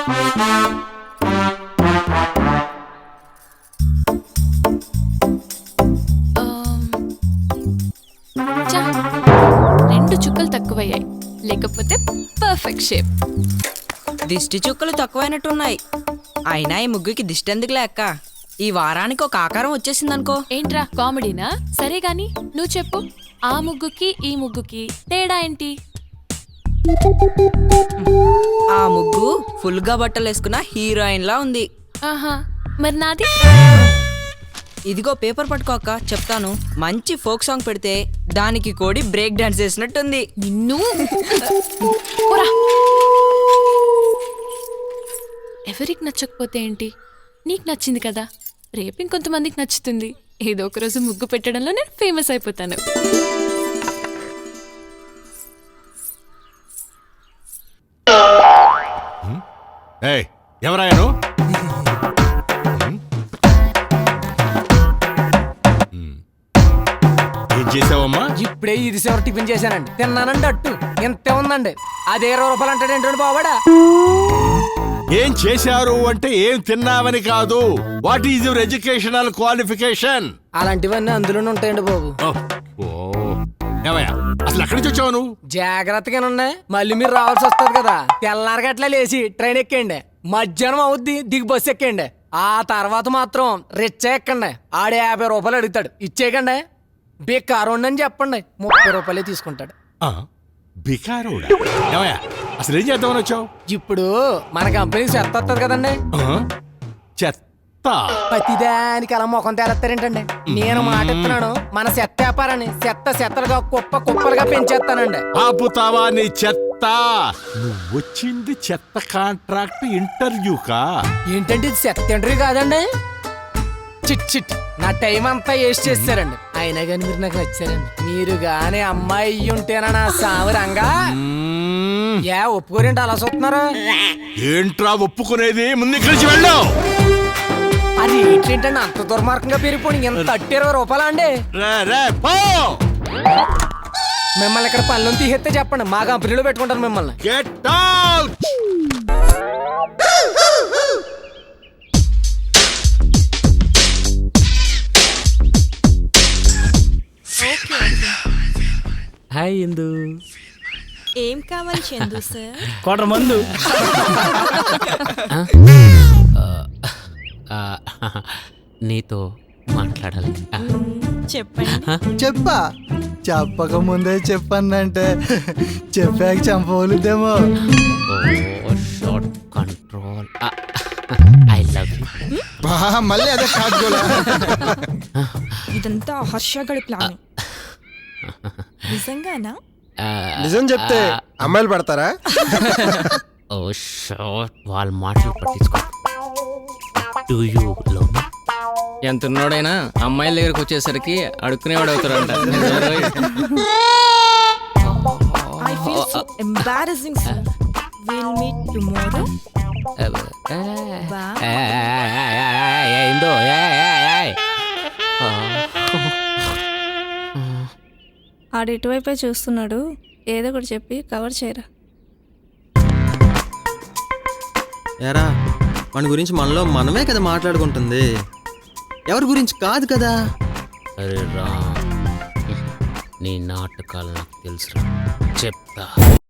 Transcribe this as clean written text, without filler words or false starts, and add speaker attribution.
Speaker 1: చా, 2 చుక్కలు తక్కువయ్యాయి, లేకపోతే పర్ఫెక్ట్ షేప్.
Speaker 2: దిష్టి చుక్కలు తక్కువైనట్టున్నాయి. అయినా ఈ ముగ్గుకి దిష్టి ఎందుకు లేక్క? ఈ వారానికి ఒక ఆకారం వచ్చేసిందనుకో.
Speaker 1: ఏంట్రా కామెడీనా? సరే గాని నువ్వు చెప్పు, ఆ ముగ్గుకి ఈ ముగ్గుకి తేడా ఏంటి?
Speaker 2: ఆ ముగ్గు ఫుల్ గా బట్టలు వేసుకున్న హీరోయిన్ లా ఉంది.
Speaker 1: ఆహా, మరి నాది?
Speaker 2: ఇదిగో పేపర్ పట్టుకోక చెప్తాను. మంచి ఫోక్ సాంగ్ పెడితే దానికి కోడి బ్రేక్ డాన్స్ చేసినట్టుంది.
Speaker 1: నిన్ను పోరా. ఎవరికి నచ్చకపోతే ఏంటి, నీకు నచ్చింది కదా, రేపు ఇంకొంతమందికి నచ్చుతుంది. ఏదో ఒక రోజు ముగ్గు పెట్టడంలో నేను ఫేమస్ అయిపోతాను.
Speaker 3: ఎవరాయను? ఏం చేసావమ్మా?
Speaker 4: ఇప్పుడే ఇది చివరి టిఫిన్ చేశానండి. తిన్నానండి అట్టు ఎంత ఉందండి. అది 20 రూపాయలు అంటాడేంటండి బావాడా?
Speaker 3: ఏం చేశారు అంటే ఏం తిన్నావని కాదు. What is your educational qualification?
Speaker 4: అలాంటివన్నీ అందులోనే ఉంటాయండి బాబు.
Speaker 3: ఏమయ్యా, అసలు ఎక్కడి నుంచి వచ్చావు నువ్వు?
Speaker 4: జాగ్రత్తగానే మళ్ళీ మీరు రావాల్సి వస్తుంది కదా. తెల్లారి గట్లా లేచి ట్రైన్ ఎక్కండి, మధ్యాహ్నం అవుద్ది దిగి బస్సు ఎక్కండి. ఆ తర్వాత మాత్రం రిచ్చ ఎక్కండి. ఆడే 50 రూపాయలు అడుగుతాడు, ఇచ్చేయకండి. బేకారు అని చెప్పండి, 30 రూపాయలే తీసుకుంటాడు.
Speaker 3: బికారోడా? ఏమయ్యా, అసలు ఏం చేద్దామని వచ్చావు?
Speaker 4: ఇప్పుడు మన కంపెనీకి చెత్త వస్తుంది కదండి.
Speaker 3: చెత్త?
Speaker 4: ప్రతిదానికి అలా ముఖం తేలెత్తారేంటండి? నేను మాట ఇస్తున్నాను, మన చెత్త వ్యాపారాన్ని చెత్తలుగా కుప్పలుగా పెంచేస్తానండి.
Speaker 3: ఆపుతావా నీ చెత్త? నువ్వు వచ్చింది చెత్త కాంట్రాక్ట్ ఇంటర్వ్యూకా?
Speaker 4: ఏంటంటే ఇది చెత్త ఇంటర్వ్యూ కాదండి. చిట్ నా టైం అంతా వేస్ట్ చేస్తారండి. అయినా కానీ మీరు నాకు నచ్చారండి. మీరు గానీ అమ్మాయి అయ్యి ఉంటేనా నా సావరంగా. ఒప్పుకోరేంటి అలా చూస్తున్నారు?
Speaker 3: ఏంట్రా ఒప్పుకునేది? ముందు కలిసి వెళ్ళావు.
Speaker 4: అది ఏంటంటే అంత దుర్మార్గంగా పెరిగిపోయి ఎంత 20 రూపాయలా అండి? మిమ్మల్ని ఇక్కడ పనులను తీసేస్తే చెప్పండి, మా కంపెనీలో పెట్టుకుంటాను మిమ్మల్ని.
Speaker 3: Get out.
Speaker 5: హాయ్ ఇందు.
Speaker 2: ఏం కావాలి చందు సార్?
Speaker 5: కోటర్ మందు. నీతో మాట్లాడాలి.
Speaker 2: చెప్పండి.
Speaker 6: చెప్పక ముందే చెప్పందంటే చెప్పాక చంపవలుద్దేమో.
Speaker 5: Short control. I love you.
Speaker 6: మళ్ళీ అదే కాదుకోలే.
Speaker 2: ఇదంతా హర్షగడి ప్లాన్. నిజంగానా?
Speaker 6: నిజం చెప్తే అమ్మాయిలు పడతారా?
Speaker 5: ఓ షార్ట్, వాళ్ళ మాటలు పట్టించుకో. Do you love me?
Speaker 4: ఎంత ఉన్నోడైనా అమ్మాయిల దగ్గరకు వచ్చేసరికి అడుక్కునేవాడు అవుతారంట.
Speaker 2: I feel so embarrassing, sir. We'll meet tomorrow.
Speaker 5: ఇందో
Speaker 7: ఆడు ఇటువైపే చూస్తున్నాడు, ఏదో ఒకటి చెప్పి కవర్ చేయరా.
Speaker 8: ఏరా, మన గురించి మనలో మనమే కదా మాట్లాడుకుంటుంది, ఎవరి గురించి కాదు కదా.
Speaker 5: అరే రా, నీ నాటకాలు నాకు తెలుసు, చెప్తా.